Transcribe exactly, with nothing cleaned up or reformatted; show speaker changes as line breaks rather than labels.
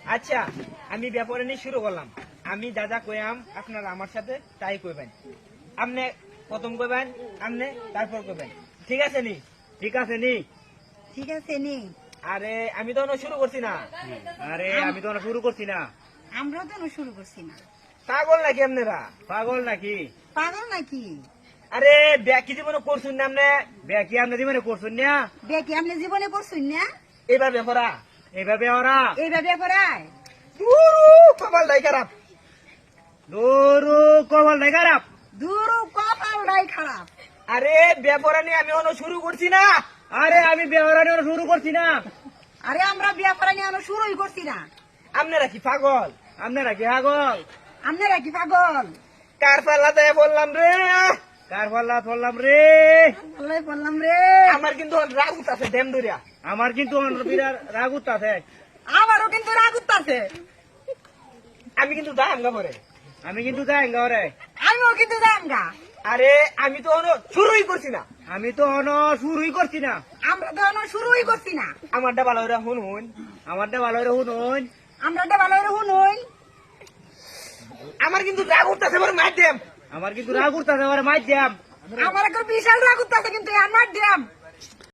আচ্ছা আমি ব্যাপারে নিয়ে শুরু করলাম। আমি যা যা কইয়াম আপনারা আমার সাথে তাই কইবেন। আপনি প্রথম কইবেন, আপনি তারপর কইবেন। ঠিক আছে নি?
ঠিক আছে নি?
ঠিক আছে নি?
আরে আমি তো এখনো শুরু করছি না।
আরে আমি তো না শুরু করছি না।
আমরাও তো এখনো শুরু করছি না।
পাগল নাকি আপনারা?
পাগল নাকি?
পাগল নাকি?
আরে ব্যাকি জীবনে করছুন না আপনি?
ব্যাকি আপনি জীবনে করছেন না?
বেটি আপনি জীবনে করছুন না?
এবার ব্যাপারা
এইভাবে ওরা
এইভাবে পড়ায়
কপাল দাই খারাপ।
দৌড়ু কবল নাই খারাপ।
দূর কপালটাই খারাপ।
আরে ব্যাপারা নিয়ে আমি এখনো শুরু করছি না।
আরে আমি বেহরানি শুরু করছি না।
আরে আমরা বিয়া করা নিয়ে এখনো শুরুই করছি না।
আপনারা কি পাগল?
আপনারা কি পাগল?
আপনারা কি পাগল?
কার পাল্লাতে বললাম রে।
কার পাল্লা ধরলাম রে?
আল্লাহ বললাম রে।
আমার কিন্তু রাগ উঠছে ড্যাম ধরিয়া।
আমার কিন্তু বিরাট রাগ উঠতাছে।
আমারও কিন্তু রাগ উঠতাছে।
আমি কিন্তু দাম গা পরে।
আমি কিন্তু যাই ঘরে।
আমিও কিন্তু যাম গা।
আরে আমি তো এখনো শুরুই করছি না।
আমি তো অন শুরুই করছি না।
আমরা তো এখনো শুরুই করছি না।
আমারটা ভালো করে শুন শুন।
আমারটা ভালো করে শুনুন।
আমরা তো ভালো করে শুনুই।
আমার কিন্তু রাগ উঠতেছে বড় মাধ্যম।
আমার কিন্তু রাগ উঠতাছে আমার মাইর দিয়াম।
আমার একটা বিশাল রাগ উঠতাছে কিন্তু আমার দিয়াম।